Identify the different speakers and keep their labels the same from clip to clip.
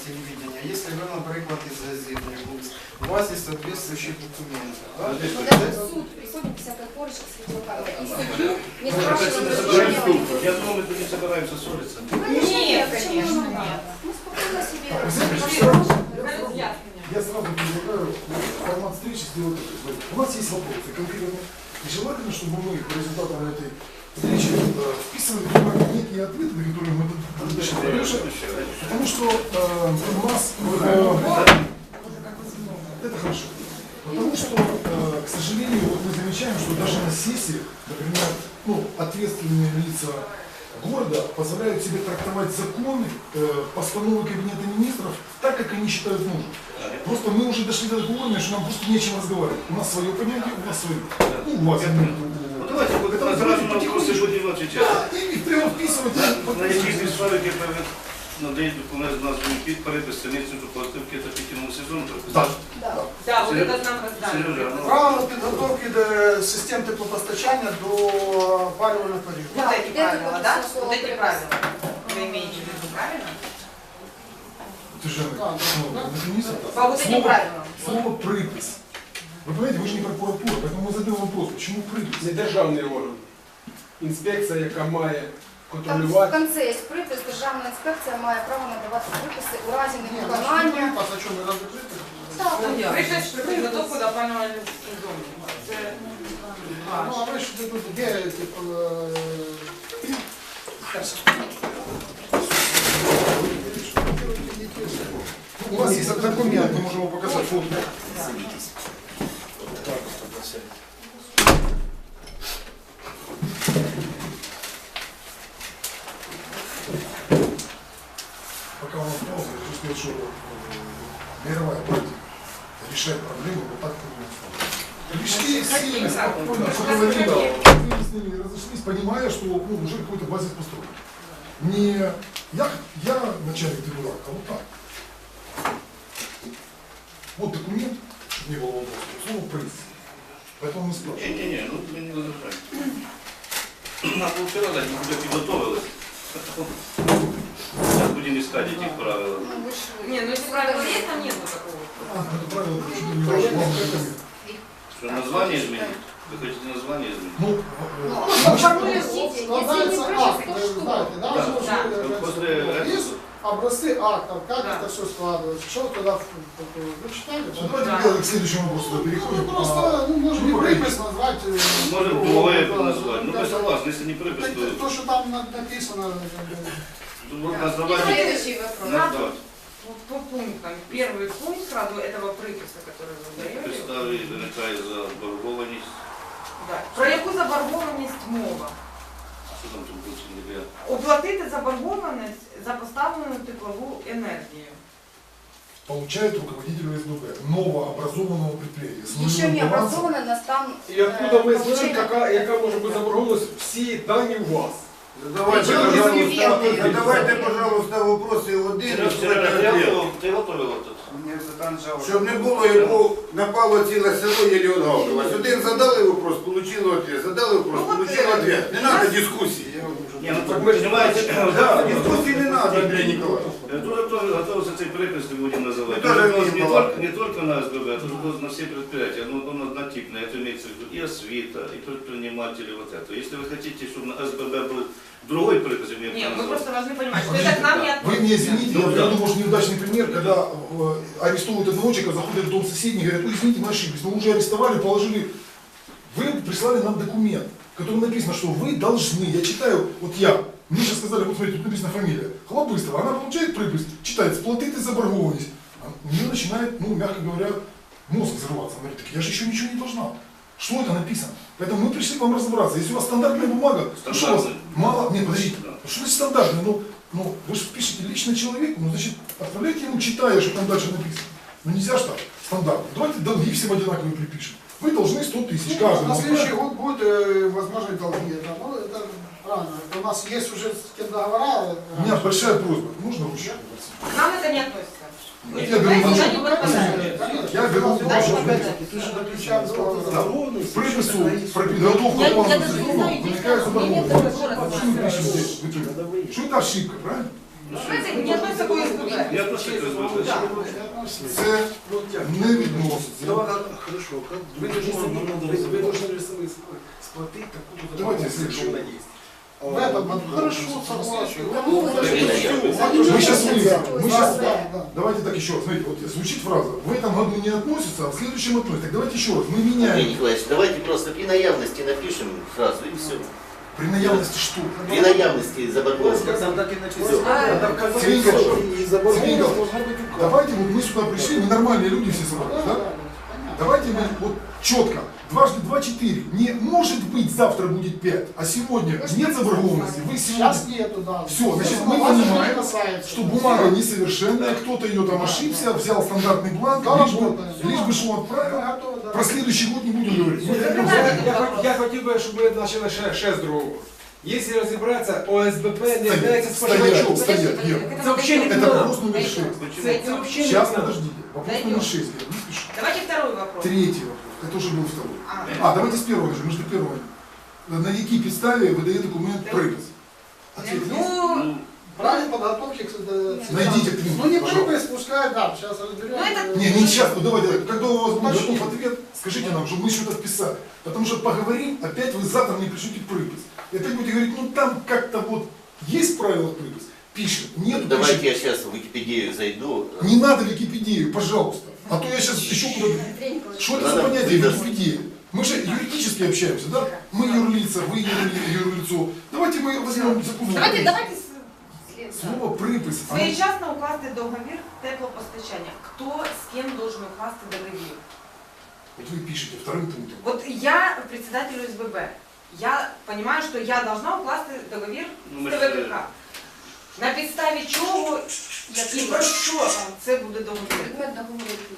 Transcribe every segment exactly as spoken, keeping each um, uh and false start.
Speaker 1: телевидения, если вы, например, из газеты, у вас есть соответствующие документы. Да?
Speaker 2: Даже суд приходит всякая корочка с видеокамерой. И судью не спрашивают разрешения.
Speaker 3: Я думаю, мы тут не собираемся ссориться.
Speaker 2: Нет, конечно, нет. Мы спокойно себе.
Speaker 4: Я сразу предлагаю формат встречи сделать такой. У нас есть вопросы конкретно. И желательно, чтобы мы по результатам этой встречи вписывали некие ответы, на которые мы должны решать. Потому что э, у нас э, это хорошо. Потому что, э, к сожалению, вот мы замечаем, что даже на сессиях, например, ну, ответственные лица города позволяют себе трактовать законы, э, постановы Кабинета министров так, как они считают нужным. Просто мы уже дошли до такого уровня, что нам просто нечем разговаривать. У нас свое понятие, у нас свое. Ну, у вас.
Speaker 3: Ну давайте, вот это сразу на вопросы будем отвечать.
Speaker 4: Да, и их прямо вписывать.
Speaker 3: На якісь підстави надають документ названий під перепис синицю плативки та підтягнув сезон.
Speaker 4: Так.
Speaker 5: Да, вот это нам раздали.
Speaker 1: Право підготовки до систем теплопостачання до опалювального періоду.
Speaker 5: Вот эти правила, да? Вот эти правила. Вы имеете в виду, правильно? По вот этим правилам.
Speaker 4: Слово «припис». Вы понимаете, вы же не прокуратура, поэтому мы задаем вопрос, почему припис?
Speaker 6: Це державний орган. Інспекція, яка має
Speaker 2: Там в
Speaker 6: контролювати.
Speaker 2: конце є припис, державна інспекція має право надавати приписи у разі невиконання.
Speaker 1: А що, не розкрити?
Speaker 5: Припис про підготовку до опалювального сезону. Це
Speaker 1: Ну, а ви ж тут де, типу,
Speaker 4: У вас есть документ, мы можем его показать. Вот. Пока у нас пауза, я хочу сказать, что э, мировая практика решает проблемы вот так, как мы решили сильно, спокойно, что говорили, да, мы с ними разошлись, понимая, что ну, уже какой-то базис построен. Не я, я начальник трибунала, а вот так. Вот документ, чтобы не было вопросов, слово «припис». Поэтому мы спрашиваем.
Speaker 3: Не-не-не, ну ви не возражаєте. Нам вчора дать, ми вже підготовились. Сейчас будем искать этих правил.
Speaker 5: Не, ну если правила есть, там нет такого.
Speaker 4: А, это правило, это чуть ли не важно.
Speaker 3: Что, название изменить? Вы хотите название изменить?
Speaker 4: Ну,
Speaker 2: Ну, подождите, если не припис, то что?
Speaker 3: Да, после этого...
Speaker 7: Образцы актов, как
Speaker 5: Да.
Speaker 7: это все складывается, что туда, вы читали?
Speaker 4: ну, давайте делаем к следующему вопросу, переходим.
Speaker 7: Ну просто, ну, можно
Speaker 4: Ну,
Speaker 7: не припис назвать. э,
Speaker 3: Можем
Speaker 7: ну,
Speaker 3: новое
Speaker 7: да,
Speaker 3: назвать. Ну,
Speaker 7: как-
Speaker 3: мы согласны, если не припис,
Speaker 7: так,
Speaker 3: то...
Speaker 7: То, что там на- написано, как бы,
Speaker 3: Тут вот название...
Speaker 2: Следующий вопрос.
Speaker 3: Назвать.
Speaker 5: Вот по пунктам. Первый пункт сразу этого приписа, который вы даете.
Speaker 3: Підстави виникає заборгованість.
Speaker 5: Да. Про яку заборгованість мова?
Speaker 3: Що там тут більше не для...
Speaker 5: Оплатити заборгованість за поставлену теплову енергію.
Speaker 4: Получает руководитель ОСББ новообразованного предприятия. с
Speaker 2: Еще
Speaker 4: нулевым
Speaker 2: не
Speaker 4: балансом.
Speaker 2: образованы, нас там...
Speaker 6: І откуда ми знаємо, яка, яка може бути заборгованість, всі дані у вас.
Speaker 1: Давайте,
Speaker 2: Чому ви
Speaker 1: пожалуйста,
Speaker 2: розумієте?
Speaker 1: давайте, пожалуйста, вопроси один.
Speaker 3: Серега, Серега, ти готов- ти готовила тут?
Speaker 1: Щоб не було, йому напало ціле село, єлі отгавкалось. Один задали вопрос, получили ответ. Задали вопрос, получили ответ. Не треба дискусії.
Speaker 3: Ні, ну так ми ж понимаете,
Speaker 1: Да, дискусії не треба, Андрій Ніколаєвич.
Speaker 3: Тоже тоже готовился цей припис, не будем называть.
Speaker 1: Мы тоже
Speaker 3: Он
Speaker 1: имеем
Speaker 3: не,
Speaker 1: право.
Speaker 3: только, не только на СББ, а тоже на все предприятия. Ну, он однотипный, это имеется в виду и освита, и предприниматели, вот это. Если вы хотите, чтобы на СББ был другой припис, имеем
Speaker 5: Нет, мы
Speaker 3: право
Speaker 5: просто
Speaker 3: называть.
Speaker 5: должны понимать, что это к нам не
Speaker 4: Вы
Speaker 5: относится.
Speaker 4: мне извините,
Speaker 3: Ну,
Speaker 4: я
Speaker 3: да.
Speaker 4: думаю, может неудачный пример, когда э, арестовывают одного человека, заходят в дом соседей и говорят, ой, извините, мы ошиблись, мы уже арестовали, положили. Вы прислали нам документ, в котором написано, что вы должны, я читаю, вот я, мне сейчас сказали, вот смотрите, тут написана фамилия, Хлобыстова, она получает припис, читает, сплатить и заборгованность. А у нее начинает, ну, мягко говоря, мозг взрываться. Она говорит, так я же еще ничего не должна. Что это написано? Поэтому мы пришли к вам разобраться. Если у вас стандартная бумага, то что у вас
Speaker 3: Стандартная.
Speaker 4: мало, нет, подождите,
Speaker 3: Да.
Speaker 4: что значит стандартная? Ну, ну, вы же пишете лично человеку, ну, значит, отправляйте ему, читая, что там дальше написано. Ну, нельзя же так, стандартно. Давайте долги всем одинаковые припишем. Вы должны сто тысяч каждый.
Speaker 7: на следующий год будет э, возможность долги. Это, ну, это правильно. Это у нас есть уже с кем договора.
Speaker 4: У меня большая просьба, можно ручку?
Speaker 5: К нам это не относится. Мы
Speaker 4: Я беру
Speaker 5: знаете,
Speaker 4: вашу-
Speaker 5: они подпадают.
Speaker 4: Я беру
Speaker 5: Дальше
Speaker 4: вашу
Speaker 5: показать.
Speaker 7: Ты же заключаешь договор.
Speaker 4: Да. Припису про подготовку
Speaker 2: Я-
Speaker 4: плана
Speaker 2: я даже не
Speaker 4: сезона
Speaker 2: знаю,
Speaker 4: виникает
Speaker 2: здесь
Speaker 4: заборгованность.
Speaker 2: нет такого
Speaker 4: Что мы пишем здесь? Вы тут? Что это ошибка, правильно?
Speaker 5: Знаете, не относится к ОСББ.
Speaker 3: Я отношусь к ОСББ.
Speaker 5: Да.
Speaker 4: Це
Speaker 6: Ну, як?
Speaker 4: не відноситься.
Speaker 6: Давай, хорошо, как вы должны, вы, вы должны сами сплатить такую-то
Speaker 4: Давайте
Speaker 6: зарплату,
Speaker 4: следующий.
Speaker 6: что она есть.
Speaker 7: В этом году хорошо, согласен.
Speaker 2: Ну,
Speaker 4: Мы сейчас выясним. Мы сейчас...
Speaker 7: Да, да.
Speaker 4: Давайте так еще раз. Смотрите, вот звучит фраза. В этом году не относится, а в следующем относится. Так давайте еще раз. Мы
Speaker 8: Андрей
Speaker 4: меняем.
Speaker 8: Николаевич, давайте просто при наявности напишем фразу и все.
Speaker 4: При наявности что?
Speaker 8: При наявности заборгованности.
Speaker 6: так и
Speaker 8: Всё.
Speaker 6: Надо в
Speaker 4: Цвинька,
Speaker 6: и заборгованность
Speaker 4: Цвинька,
Speaker 6: должна быть указана.
Speaker 4: давайте вот мы сюда пришли, ненормальные люди все собрались, да? Давайте мы вот четко, дважды два четыре. Не может быть завтра будет пять, а сегодня нет заборгованности. Вы сегодня...
Speaker 7: Сейчас нету, да.
Speaker 4: Все, значит, мы
Speaker 7: Вас это не
Speaker 4: понимаем,
Speaker 7: касается.
Speaker 4: что бумага несовершенная, кто-то ее там ошибся, взял стандартный бланк,
Speaker 7: Да,
Speaker 4: лишь бы,
Speaker 7: работаем.
Speaker 4: лишь бы что он отправил.
Speaker 7: Мы готовы, да.
Speaker 4: Про следующий год не будем говорить. Мы
Speaker 6: Я,
Speaker 4: хотим-
Speaker 6: я, я, хот- я хотів би, щоб ми почали ще, ще з другого. Якщо розібратися, ОСББ не є
Speaker 4: Стоять,
Speaker 6: споживачом.
Speaker 4: стоять, стоять, Вера.
Speaker 6: Це взагалі не
Speaker 4: Это
Speaker 6: надо.
Speaker 4: вопрос номер
Speaker 2: Дойдем.
Speaker 4: шесть.
Speaker 6: Це,
Speaker 5: Дойдем.
Speaker 6: це взагалі не
Speaker 4: Сейчас,
Speaker 6: надо.
Speaker 4: подождите. Вопрос
Speaker 5: Дойдем.
Speaker 4: номер шесть, Вера, не спеши.
Speaker 5: Давайте второй вопрос.
Speaker 4: Третий вопрос. Это уже был второй.
Speaker 5: А,
Speaker 4: А, давайте с первого начнем. Мы же до первого. На якій підставі видає документ припис? Ответ есть?
Speaker 5: ну,
Speaker 7: Правильно подготовки к э,
Speaker 4: Найдите книгу,
Speaker 7: Ну не
Speaker 4: пожалуйста.
Speaker 7: припись, пускай, да, сейчас разберем.
Speaker 5: Ну, это-
Speaker 4: Не, не сейчас, ну давайте, когда у вас будет
Speaker 7: Уточним.
Speaker 4: готов ответ, скажите нам, чтобы мы что-то вписали. Потому что поговорим, опять вы завтра мне пришлете припис. И опять будете говорить, ну там как-то вот есть правило припис, пишем, нет,
Speaker 8: Давайте
Speaker 4: пишем.
Speaker 8: я сейчас в Википедию зайду.
Speaker 4: Не надо Википедию, пожалуйста. А то я сейчас еще куда-то...
Speaker 2: Андрей Николаевич,
Speaker 4: Что это за
Speaker 8: Надо
Speaker 4: понятие
Speaker 8: выдать.
Speaker 4: Википедия? Мы же юридически общаемся, да? Мы юрлица, вы юрли- юрлицо. Давайте мы возьмем закон.
Speaker 2: Давайте, давайте с- след-
Speaker 4: Слово припис. оно-
Speaker 5: своєчасно укласти договір теплопостачання. Хто з ким должен укласти договір?
Speaker 4: Вот вы пишете вторым пунктом.
Speaker 5: Вот я председатель ОСББ. Я понимаю, что я должна укласти договір
Speaker 3: Ну,
Speaker 5: з
Speaker 3: ми
Speaker 5: Т
Speaker 3: ж,
Speaker 5: В К К. На підставі чого і про що це буде договір?
Speaker 2: Предмет договору який?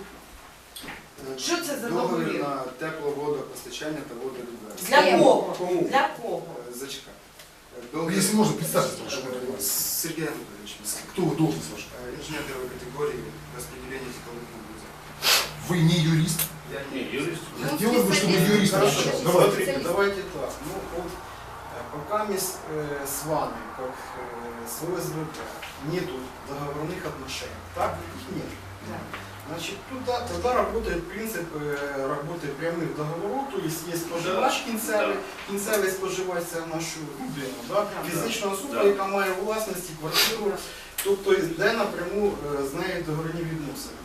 Speaker 5: Що це за
Speaker 9: Договір
Speaker 5: договір?
Speaker 9: на тепловодопостачання та водовідведення.
Speaker 5: Для
Speaker 2: Ким?
Speaker 5: кого?
Speaker 6: Кому?
Speaker 5: Для кого?
Speaker 9: Е, Зачекай. Е,
Speaker 4: Ну,
Speaker 9: Договір
Speaker 4: Если можно, представьте, чтобы мы понимали.
Speaker 9: з Сергієм Анатолійовичем.
Speaker 4: Кто вы должность ваша?
Speaker 9: Е, Інженер первої категорії розподілення теплових нагрузок.
Speaker 4: Вы не юрист?
Speaker 9: Я
Speaker 3: не, юрист.
Speaker 4: Хотелось бы, чтобы
Speaker 2: специалист.
Speaker 4: юрист
Speaker 9: Хорошо,
Speaker 4: отвечал.
Speaker 2: Давай.
Speaker 4: Давайте.
Speaker 9: смотрите, давайте так. Ну, вот, э, пока мы с, э, с вами, как э, с ОСББ, нету договорных отношений, так? Их нет.
Speaker 5: Да.
Speaker 9: Значит, туда, тогда работает принцип э, работы прямых договоров, то есть есть споживач кінцевий, кінцевий споживач це нашу людину, да? фізична особа,
Speaker 3: Да.
Speaker 9: яка має у власності квартиру, тобто йде напряму е, з нею договірні відносини.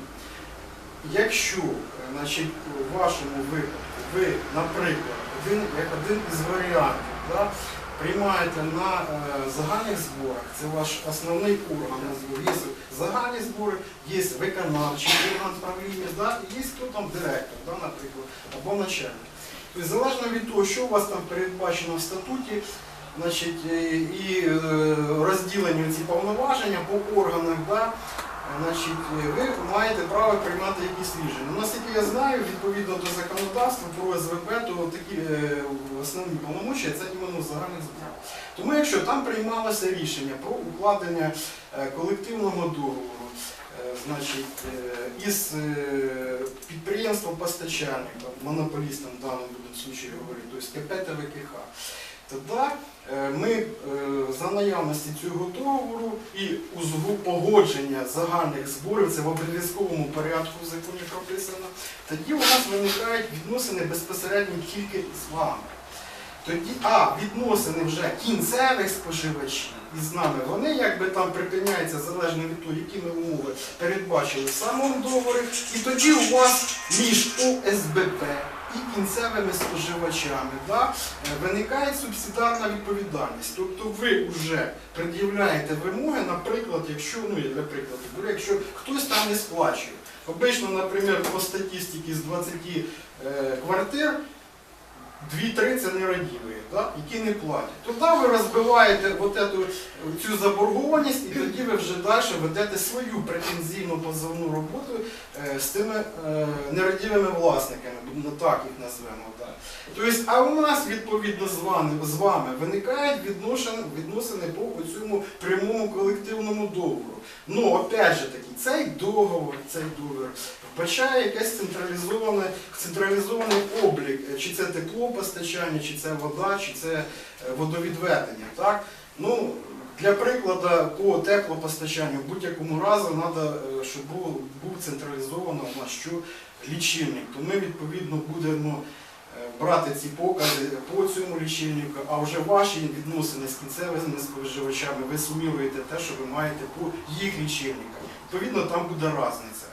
Speaker 9: Якщо е, значить, у вашому випадку ви, наприклад, один, як один із варіантів, да, приймаєте на е, загальних зборах, це ваш основний орган на зборі, є загальні збори, є виконавчий орган правління, да, і є хто там директор, да, наприклад, або начальник. Тобто, залежно від того, що у вас там передбачено в статуті, значить, і, і е, розділені ці повноваження по органах, да, значить, ви маєте право приймати якісь рішення. Ну, наскільки я знаю, відповідно до законодавства про О С В П, то такі е, основні повномочия це іменно в загальних зборах. Тому якщо там приймалося рішення про укладення е, колективного договору, е, значить, е, із е, підприємством постачальником, монополістом в даному случаї говорить, тобто К П Т В К Х, тоді е, ми е, за наявності цього договору і узгу погодження загальних зборів, це в обов'язковому порядку в законі прописано, тоді у нас виникають відносини безпосередньо тільки з вами. Тоді, а відносини вже кінцевих споживачів із нами, вони якби там припиняються залежно від того, які ми умови передбачили в самому договорі, і тоді у вас між О С Б П і кінцевими споживачами, да, виникає субсидіарна відповідальність. Тобто ви вже пред'являєте вимоги, наприклад, якщо, ну я для прикладу, беру, якщо хтось там не сплачує. Обично, наприклад, по статистиці з двадцяти е, квартир, дві-три це нерадіві, да, які не платять. Тоді ви розбиваєте от эту, цю заборгованість, і тоді ви вже далі ведете свою претензійну позовну роботу е, з тими е, нерадівими власниками, ну, так їх назвемо. Да. Тобто, а у нас, відповідно, з вами, з вами виникають відношення, відносини по цьому прямому колективному договору. Ну, опять же таки, цей договор, цей договір вбачає якийсь централізований, централізований облік, чи це теплопостачання, чи це вода, чи це водовідведення. Так? Ну, Для прикладу, по теплопостачанню в будь-якому разу треба, щоб був, був централізовано у нас що лічильник. То ми відповідно будемо е, брати ці покази по цьому лічильнику, а вже ваші відносини з кінцевими споживачами ви суміруєте те, що ви маєте по їх лічильниках. Відповідно, там буде різниця.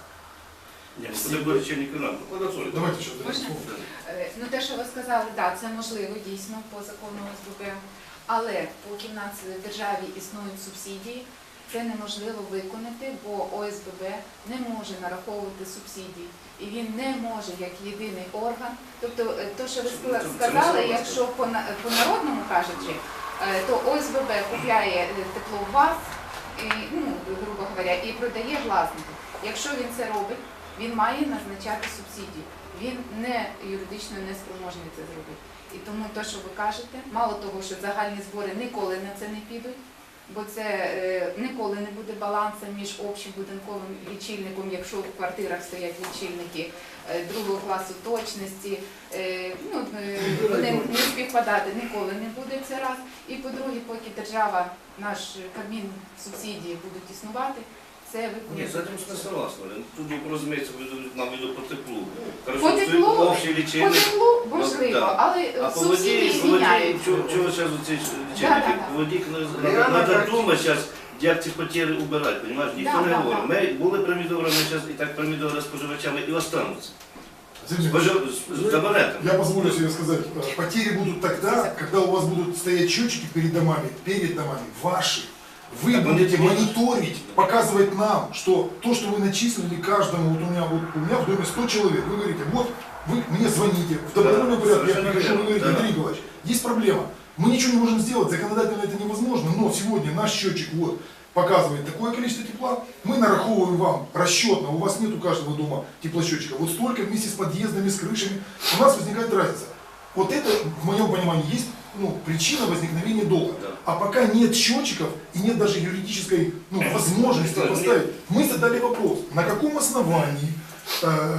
Speaker 3: Ні, це буде лічильник нам.
Speaker 4: Давайте еще.
Speaker 2: Можна? Е, Ну, те, що ви сказали, так, це можливо дійсно по закону ОСББ, але поки в нас в державі існують субсидії, це неможливо виконати, бо ОСББ не може нараховувати субсидії. І він не може як єдиний орган. Тобто, е, то, що ви ска- сказали, якщо по, на- по народному кажучи, е, то ОСББ купляє е, тепло у вас, і, ну, грубо говоря, і продає власнику. Якщо він це робить, він має назначати субсидії. Він не юридично не спроможний це зробити. І тому те, що ви кажете, мало того, що загальні збори ніколи на це не підуть, бо це е, ніколи не буде балансу між общобудинковим лічильником, якщо в квартирах стоять лічильники е, другого класу точності, е, ну, е, вони не співпадати ніколи не буде це раз. І по-друге, поки держава, наш Кабмін, субсидії будуть існувати, це
Speaker 3: Нет,
Speaker 2: виконує.
Speaker 3: с этим мы согласны. Тут, разумеется, нам веду по теплу.
Speaker 2: По теплу,
Speaker 3: общий
Speaker 2: По
Speaker 3: лічильник.
Speaker 2: теплу можливо,
Speaker 3: да.
Speaker 2: але
Speaker 3: А по
Speaker 2: субсидії
Speaker 3: воді, по воді,
Speaker 2: зміняються.
Speaker 3: чого ви зараз оці
Speaker 2: Да, да,
Speaker 3: лічильники?
Speaker 2: да.
Speaker 3: По воді
Speaker 9: Реально,
Speaker 3: треба
Speaker 9: як-
Speaker 3: думати зараз, як ці потери убирати, розумієш? Ніхто
Speaker 2: Да,
Speaker 3: не
Speaker 2: да,
Speaker 3: говорить.
Speaker 2: да.
Speaker 3: Ми були помідорами, зараз і так помідори споживачами і остануться.
Speaker 4: Извините,
Speaker 3: Спожив... з- з абонентами.
Speaker 4: Я позволю себе сказать, э, потери будут тогда, когда у вас будут стоять счетчики перед домами, перед домами, ваши. Вы
Speaker 3: Так,
Speaker 4: будете
Speaker 3: они-
Speaker 4: мониторить, показывать нам, что то, что вы начислили каждому, вот у меня, вот, у меня в доме сто человек, вы говорите, вот вы мне звоните, в добровольном
Speaker 3: Да,
Speaker 4: порядке, я
Speaker 3: совершенно
Speaker 4: прихожу, вы
Speaker 3: верно,
Speaker 4: говорите,
Speaker 3: да.
Speaker 4: Андрей Николаевич, есть проблема, мы ничего не можем сделать, законодательно это невозможно, но сегодня наш счетчик вот показывает такое количество тепла, мы нараховываем вам расчетно, у вас нет у каждого дома теплосчетчика, вот столько вместе с подъездами, с крышами, у нас возникает разница. Вот это, в моем понимании, есть ну, причина возникновения долга.
Speaker 3: Да.
Speaker 4: А пока нет счетчиков и нет даже юридической ну, возможности
Speaker 3: Да,
Speaker 4: поставить, мы задали вопрос, на каком основании э,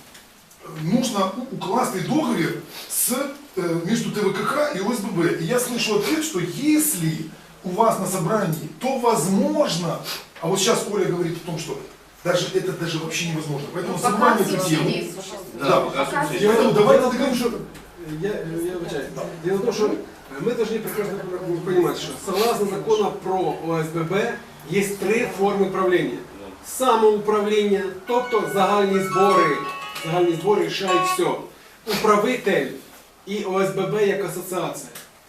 Speaker 4: нужно у- укласти договор с, э, между ТВКХ и ОСББ. И я слышу ответ, что если у вас на собрании, то возможно, а вот сейчас Оля говорит о том, что даже это даже вообще невозможно. Поэтому
Speaker 2: Пока
Speaker 4: собрание эту тему.
Speaker 2: субсидії существують.
Speaker 3: Да,
Speaker 2: Пока
Speaker 3: пока
Speaker 4: И
Speaker 3: субсидії.
Speaker 4: поэтому давайте договоримся.
Speaker 6: Я, я вибачаю. Дело в том, что мы должны прекрасно понимать, что согласно закону про ОСББ есть три форми правління. Самоуправління, тобто загальні збори, загальні збори рішають все. Управитель і ОСББ як асоціація,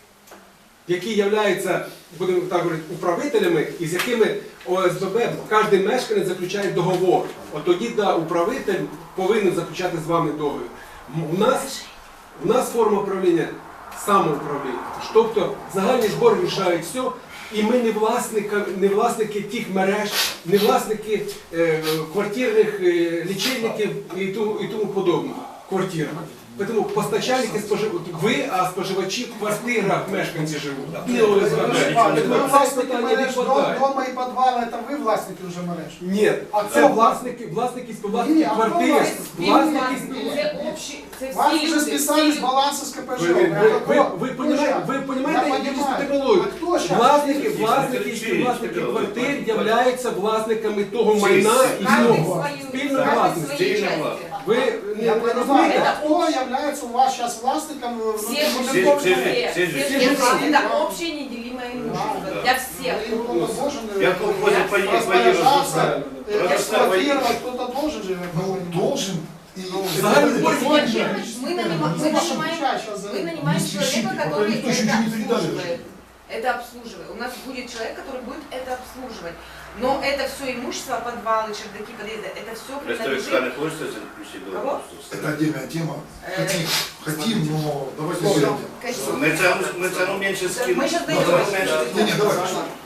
Speaker 6: які являються, будемо так говорити, управителями, і з якими ОСББ, кожен мешканець заключає договор. От тоді, да, управитель повинен заключати з вами договір. М- У нас У нас форма управління самоуправління. Тобто загальні збори рішають все, і ми не власники, не власники тих мереж, не власники е, квартирних е, лічильників і тому, і тому подобного. Квартир. Тому постачальники спожив... ви, а споживачі в квартирах мешканці живуть. Не ОСББ.
Speaker 7: Ви
Speaker 6: Це
Speaker 7: власники
Speaker 6: питання не
Speaker 7: мереж
Speaker 6: відпадає.
Speaker 7: дома і підвали, це ви власники вже мереж.
Speaker 6: Ні,
Speaker 7: А
Speaker 6: це
Speaker 7: хто?
Speaker 6: власники, власники,
Speaker 7: Ні,
Speaker 6: власники
Speaker 7: а хто
Speaker 6: квартир,
Speaker 7: власник?
Speaker 6: власники.
Speaker 5: Це общі, це
Speaker 7: Вас
Speaker 5: всі
Speaker 7: вже
Speaker 5: люди,
Speaker 7: списали
Speaker 5: всі
Speaker 7: з
Speaker 5: люди.
Speaker 7: балансу з КПЖ.
Speaker 6: Ви, ви, ви, ви,
Speaker 7: Хто
Speaker 6: понимаєте,
Speaker 7: щас?
Speaker 6: ви
Speaker 7: Я
Speaker 6: понимаєте
Speaker 7: понимаю.
Speaker 6: юридичну термінологію?
Speaker 7: А хто щас?
Speaker 6: Власники,
Speaker 3: Всі
Speaker 6: власники,
Speaker 3: всі
Speaker 6: і власники
Speaker 3: всі
Speaker 6: квартир
Speaker 3: всі
Speaker 6: являються власниками того
Speaker 3: Всі
Speaker 6: майна
Speaker 3: всі.
Speaker 6: і
Speaker 5: Кожен
Speaker 6: цього.
Speaker 5: свою,
Speaker 6: Спільна
Speaker 5: кожен
Speaker 6: власність.
Speaker 5: свої
Speaker 3: Спільна
Speaker 5: частини.
Speaker 3: власність.
Speaker 6: Ви не,
Speaker 7: Я
Speaker 6: не
Speaker 7: понимаю,
Speaker 6: розумієте?
Speaker 7: это кто является у вас сейчас властником
Speaker 5: Все
Speaker 7: внутреннего
Speaker 5: же,
Speaker 3: Все-
Speaker 7: дома?
Speaker 3: все же- все же-
Speaker 5: все же, это общее неделимое имущество
Speaker 3: Да.
Speaker 5: для всех.
Speaker 7: И кто-то должен э,
Speaker 3: Я колхозе поеду,
Speaker 7: распоряжаться,
Speaker 3: поеду.
Speaker 7: э,
Speaker 3: Просто
Speaker 7: эксплуатировать, кто-то должен же.
Speaker 4: Ну, должен. И
Speaker 6: Загальный
Speaker 4: это-
Speaker 6: сбор
Speaker 4: это
Speaker 6: денег.
Speaker 4: точно.
Speaker 5: Мы нанимаем, мы нанимаем, мы нанимаем
Speaker 4: Не
Speaker 5: человека,
Speaker 4: спешите,
Speaker 5: который
Speaker 4: пока никто еще
Speaker 5: это
Speaker 4: ничего не передали
Speaker 5: обслуживает. Это обслуживает. У нас будет человек, который будет это обслуживать. Но это все имущество, подвалы, чердаки, подъезды, это все
Speaker 3: Просто
Speaker 5: принадлежит.
Speaker 3: не хочется заключить договор.
Speaker 4: Это отдельная тема.
Speaker 5: Э,
Speaker 4: Хотим, хотим, но давайте
Speaker 7: Всё.
Speaker 4: сделаем.
Speaker 2: Кажіть.
Speaker 3: Мы цену, мы цену меньше скинем.
Speaker 5: Мы сейчас
Speaker 3: Но
Speaker 5: дойдем.
Speaker 3: цену меньше
Speaker 4: Не, не, давай.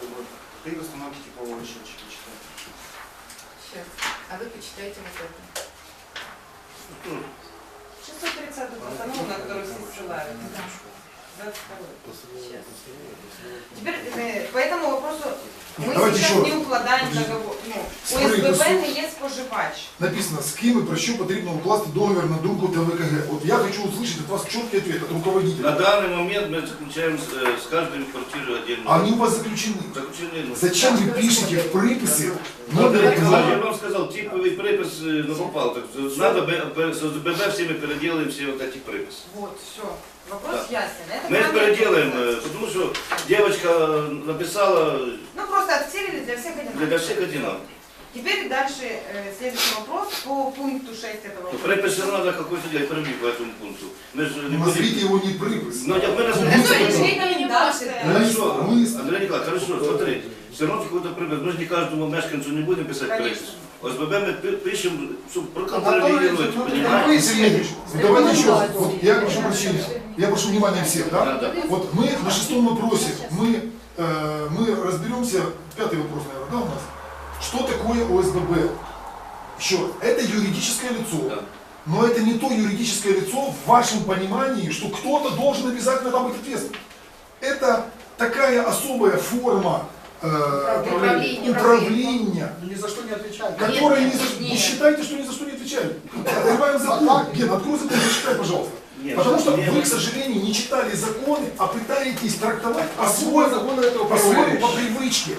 Speaker 9: Ти установки типового счетчика читаєш.
Speaker 2: Щас. А вы почитайте вот это.
Speaker 3: скинем.
Speaker 5: шестьсот тридцатую постанову, на которую все ссылаются. двадцать второй. Сейчас. Теперь э, по этому вопросу мы
Speaker 4: Давайте
Speaker 5: сейчас
Speaker 4: еще
Speaker 5: не
Speaker 4: раз.
Speaker 5: укладаем
Speaker 4: Подождите.
Speaker 5: договор. Ну,
Speaker 4: Смотрите,
Speaker 5: ОСББ
Speaker 4: суд.
Speaker 5: не є споживач.
Speaker 4: Написано, с кем и про что потребно укласти договор на думку ТВКГ. Вот я хочу услышать от вас четкий ответ, от
Speaker 3: На
Speaker 4: руководителя.
Speaker 3: данный момент мы заключаем с, э, с каждой квартирой отдельно.
Speaker 4: Они у вас заключены.
Speaker 3: Заключение, ну,
Speaker 4: Зачем вы пишете в приписи
Speaker 3: Ну,
Speaker 4: номер
Speaker 3: Андрей Николаевич, я
Speaker 4: договора?
Speaker 3: вам сказал, типовый припис э, на попал. Так, надо Б- Б- с ОСББ все мы переделаем все вот эти приписы.
Speaker 5: Вот, все. Вопрос ясен. Это
Speaker 3: Мы их
Speaker 5: правильно.
Speaker 3: переделаем, э, потому что девочка написала
Speaker 5: Ну просто отсерили для всех одинаково.
Speaker 3: для всех одинаково.
Speaker 5: Теперь дальше э, следующий вопрос по пункту шесть этого
Speaker 3: Ну,
Speaker 5: вопроса.
Speaker 3: припис все равно надо какой-то делать пробив по этому пункту. Мы же не
Speaker 4: Назовите
Speaker 3: будем...
Speaker 4: его не припис.
Speaker 3: Ну, я- мы
Speaker 5: Это
Speaker 3: назовем-
Speaker 5: же рекомендация.
Speaker 3: Хорошо,
Speaker 4: Мы-
Speaker 3: Андрей Николаевич, хорошо, смотри, все равно какой-то припис. Мы же не каждому мешканцу не будем писать
Speaker 5: Конечно.
Speaker 3: припис. ОСББ мы пи- пишем, чтобы
Speaker 7: Анатолий
Speaker 3: проконтролировать,
Speaker 7: Ильич, ну,
Speaker 3: понимаете?
Speaker 7: вы
Speaker 4: Сергей Ильич, давайте еще раз. Вот я прошу прощения. Я прошу внимания всех,
Speaker 3: Да,
Speaker 4: да?
Speaker 3: да.
Speaker 4: Вот мы на шестом вопросе, мы, э, мы разберемся, пятый вопрос, наверное, да, у нас? Что такое ОСББ? Еще раз, это юридическое лицо.
Speaker 3: Да.
Speaker 4: Но это не то юридическое лицо в вашем понимании, что кто-то должен обязательно там быть ответственным. Это такая особая форма э,
Speaker 2: Управления.
Speaker 4: управления,
Speaker 7: Ни за что не отвечает.
Speaker 4: которая
Speaker 2: Нет,
Speaker 4: ни за,
Speaker 2: нет.
Speaker 4: не считайте, что ни за что не отвечает. Открываем закон. Ген, открой закон, зачитай, пожалуйста.
Speaker 3: Нет,
Speaker 4: Потому что
Speaker 3: нет,
Speaker 4: вы, к сожалению, не читали законы, а пытаетесь трактовать
Speaker 6: А свой
Speaker 4: по-своему,
Speaker 6: закон этого
Speaker 4: по-своему,
Speaker 6: проверяешь.
Speaker 4: по привычке.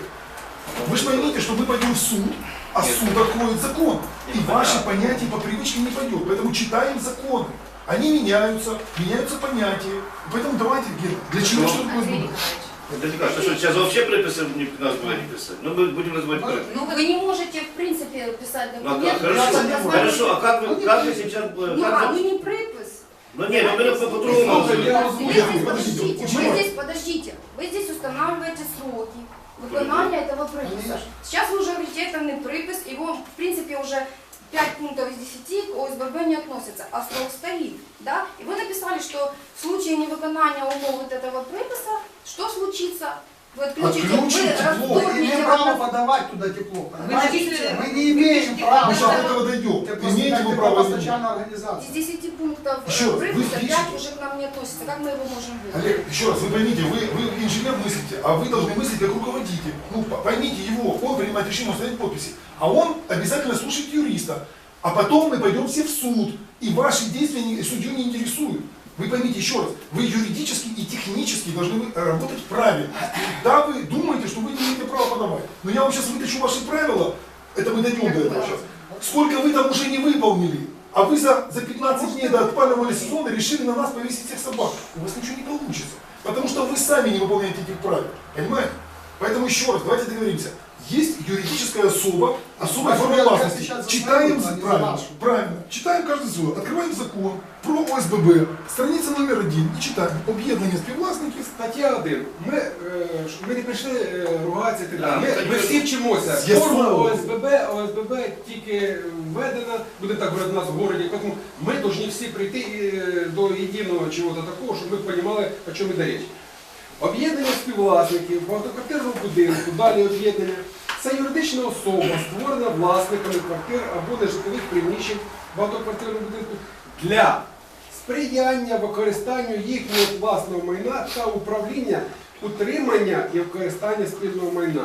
Speaker 4: Вы же поймите, что мы пойдем в суд, а
Speaker 3: Нет.
Speaker 4: суд откроет закон. И
Speaker 3: Нет,
Speaker 4: ваши
Speaker 3: да.
Speaker 4: понятия по привычке не пойдет. Поэтому читаем законы. Они меняются, меняются понятия. Поэтому давайте, Ген, для чего что такое
Speaker 2: Андрей
Speaker 4: ОСББ?
Speaker 2: Николаевич,
Speaker 3: Андрей Николаевич, а что, сейчас вообще приписы не, нас было не писать? Ну, мы будем называть приписы.
Speaker 10: Ну, вы не можете, в принципе, писать
Speaker 3: Ну, а как?
Speaker 10: документ.
Speaker 3: Хорошо,
Speaker 10: согласно-
Speaker 3: хорошо, а как вы, как вы сейчас... э,
Speaker 10: Ну,
Speaker 3: как
Speaker 10: а,
Speaker 3: вы-
Speaker 10: ну не припис.
Speaker 3: Ну, нет, ну, мы по- по-другому
Speaker 6: Слушай, я
Speaker 3: назовем.
Speaker 10: Вы
Speaker 6: Я-
Speaker 10: здесь,
Speaker 4: подождите,
Speaker 10: подождите,
Speaker 4: почему?
Speaker 10: вы здесь, подождите, вы здесь устанавливаете сроки выполнения этого приписа.
Speaker 7: Конечно.
Speaker 10: Сейчас вы уже говорите, это не припис, его, в принципе, уже пять пунктов из десяти к ОСББ не относятся, а срок стоит, да? И вы написали, что в случае невыполнения умов вот этого приписа, что случится? Вы отключите,
Speaker 4: Отключим
Speaker 10: вы
Speaker 4: тепло.
Speaker 7: Мы не
Speaker 10: раздорните
Speaker 7: имеем права
Speaker 10: водо-
Speaker 7: подавать туда тепло.
Speaker 5: Вы
Speaker 7: Понимаете?
Speaker 5: напишите-
Speaker 7: Мы не имеем
Speaker 4: Мы
Speaker 7: права.
Speaker 4: сейчас до этого дойдем. Имеете вы право или нет?
Speaker 7: Теплопостачальная
Speaker 10: Из
Speaker 7: организация.
Speaker 10: десяти пунктов
Speaker 4: Еще раз, вы
Speaker 10: приписа
Speaker 4: пишете.
Speaker 10: пять уже к нам не относится. Как мы его можем выполнить?
Speaker 4: Олег, еще раз, вы поймите, вы, вы инженер мыслите, а вы должны мыслить как руководитель. Ну, по- поймите его, он принимает решение, он ставит подписи. А он обязательно слушает юриста. А потом мы пойдем все в суд. И ваши действия не- судью не интересуют. Вы поймите еще раз, вы юридически и технически должны вы- работать правильно. Да, вы думаете, что вы не имеете права подавать. Но я вам сейчас вытащу ваши правила, это мы дойдем до этого сейчас. Сколько вы там уже не выполнили, а вы за, за пятнадцать дней до отпаливания сезона решили на нас повесить всех собак. У вас ничего не получится, потому что вы сами не выполняете этих правил. Понимаете? Поэтому еще раз, давайте договоримся. Есть юридическая особа, особая
Speaker 7: Возьмем
Speaker 4: форма властности.
Speaker 7: отвечать за
Speaker 4: Читаем,
Speaker 7: свою, а не за
Speaker 4: правильно,
Speaker 7: нашу.
Speaker 4: правильно, читаем каждый свой, открываем закон про ОСББ, страница номер один, і читаємо об'єднання співвласників.
Speaker 6: Стаття один. Ми, е, ш- ми не прийшли е, ругатися і так
Speaker 3: Да,
Speaker 6: далі.
Speaker 3: ми
Speaker 6: Ми, ми всі вчимося.
Speaker 4: З'ясовуємо.
Speaker 6: Форма ОСББ, ОСББ тільки введена, будемо так говорити у нас в городі, тому ми повинні всі прийти е, до єдиного чого-то такого, щоб ми розуміли, о чому йде річ. Об'єднання співвласників багатоквартирного будинку, далі об'єднання. Це юридична особа, створена власниками квартир або нежитлових приміщень багатоквартирного будинку для сприяння використанню їхнього власного майна та управління, утримання і використання спільного майна.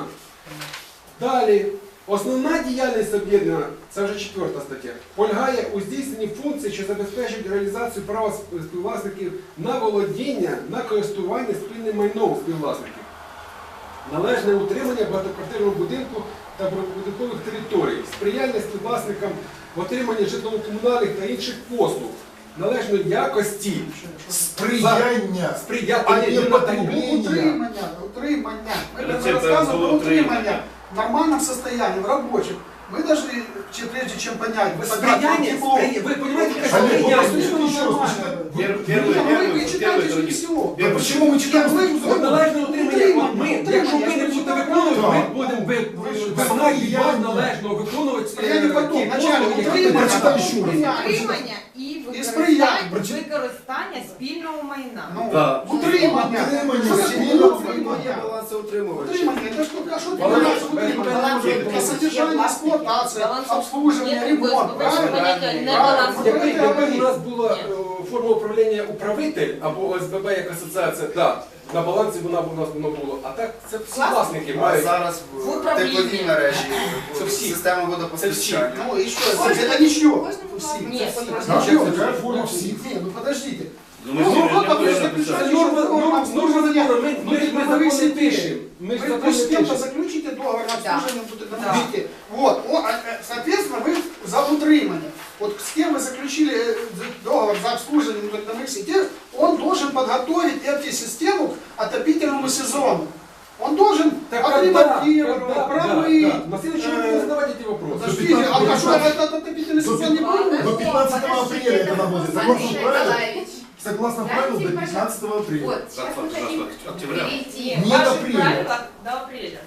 Speaker 6: Далі, основна діяльність об'єднання, це вже четверта стаття, полягає у здійсненні функцій, що забезпечують реалізацію права співвласників на володіння, на користування спільним майном співвласників. Належне утримання багатоквартирного будинку та прибудинкових територій, сприяння співвласникам в отриманні житлово-комунальних та інших послуг, належної якості,
Speaker 4: Сприяння.
Speaker 6: сприяти
Speaker 4: А не
Speaker 6: не
Speaker 4: потреблення.
Speaker 7: Утримання, утримання. Мы
Speaker 3: Это
Speaker 7: когда рассказываем про
Speaker 3: было
Speaker 7: утримание в нормальном состоянии, в рабочем, мы должны, че- прежде чем понять, вы
Speaker 6: Сприяння,
Speaker 7: тепло.
Speaker 6: спри- ви розумієте, яке
Speaker 4: Олег,
Speaker 6: сприяння?
Speaker 4: вот послушайте еще раз, почитайте.
Speaker 3: Пер-
Speaker 4: Вы-
Speaker 3: Первый,
Speaker 7: Нет, ну вы-
Speaker 3: первый,
Speaker 7: вы читаете
Speaker 3: первый,
Speaker 7: же не
Speaker 3: другой.
Speaker 7: все.
Speaker 4: Да почему мы читаем статью
Speaker 6: От
Speaker 4: закона?
Speaker 6: належне утримання, от ми, якщо ми не будемо виконувати, ми будемо ви- вимагати від вас належного виконувати
Speaker 7: Сприяння потом,
Speaker 6: ті
Speaker 7: начальник,
Speaker 6: послуги, які
Speaker 7: утримання.
Speaker 4: Прочитай ще раз.
Speaker 5: Утримання і
Speaker 7: сприяння.
Speaker 5: використання, використання спільного майна.
Speaker 7: Ну,
Speaker 3: Да.
Speaker 7: утримання.
Speaker 4: Утримання,
Speaker 7: Що
Speaker 4: спільного
Speaker 7: таке утримання?
Speaker 9: балансоутримувач.
Speaker 7: Утримание, это что, а что ты
Speaker 6: Баланс-
Speaker 7: понимаешь, утримание?
Speaker 5: баланс-
Speaker 7: Это содержание, эксплуатация,
Speaker 5: баланс-
Speaker 7: обслуживание,
Speaker 5: Нет,
Speaker 7: ремонт,
Speaker 5: вы-
Speaker 7: правильно?
Speaker 5: понятие, не
Speaker 7: Правильно.
Speaker 5: баланс-
Speaker 7: Вот
Speaker 6: Якби,
Speaker 7: это
Speaker 6: якби
Speaker 7: говорит.
Speaker 6: у нас була е, форма управління управитель або ОСББ як асоціація, да, на балансі вона б у нас воно було. А так це всі власники
Speaker 9: А
Speaker 6: мають.
Speaker 9: зараз
Speaker 5: В
Speaker 9: в
Speaker 5: управлінні.
Speaker 9: тепловій мережі,
Speaker 6: Це
Speaker 9: в
Speaker 6: всі.
Speaker 9: система водопостачання.
Speaker 7: Ну и что, это ничего. Все.
Speaker 5: Нет,
Speaker 4: Зачем такая форма всех?
Speaker 7: Не, ну подождите.
Speaker 3: Ну,
Speaker 7: Ну,
Speaker 3: мы с ними
Speaker 7: вот,
Speaker 3: не
Speaker 7: допустим,
Speaker 3: будем
Speaker 7: пишется
Speaker 3: написать.
Speaker 6: Норма, норма, норма закону, ми,
Speaker 7: Ну,
Speaker 6: ми,
Speaker 7: ты
Speaker 6: ми
Speaker 7: говоришь,
Speaker 6: закон не
Speaker 7: себе.
Speaker 6: пишемо. Ми ж
Speaker 7: Вы,
Speaker 6: закон
Speaker 7: вы
Speaker 6: не
Speaker 7: с кем-то
Speaker 6: пишемо.
Speaker 7: заключите договор на
Speaker 2: Да.
Speaker 7: обслуживание, тут это видите. Вот, о, а, э, соответственно, вы за утримание. Вот с кем вы заключили э, договор за обслуживание трудовых сетей, он должен подготовить эту систему к отопительному сезону. Он должен
Speaker 6: Так когда,
Speaker 7: отремонтировать,
Speaker 6: когда, да,
Speaker 7: промыть.
Speaker 6: да. На следующий год
Speaker 7: э,
Speaker 6: не задавайте эти вопросы.
Speaker 7: Подождите, а а что, этот отопительный сезон не будет?
Speaker 4: До пятнадцатого апреля это работает. Согласно
Speaker 2: Смотри,
Speaker 4: правилам,
Speaker 2: Николаевич,
Speaker 4: согласно
Speaker 2: Дайте
Speaker 4: правилам до
Speaker 2: пожалуйста.
Speaker 4: пятнадцатого апреля.
Speaker 2: вот, сейчас мы
Speaker 3: Завтра,
Speaker 2: хотим
Speaker 3: завтра, октября.
Speaker 2: перейти.
Speaker 4: Не до апреля.
Speaker 5: до апреля.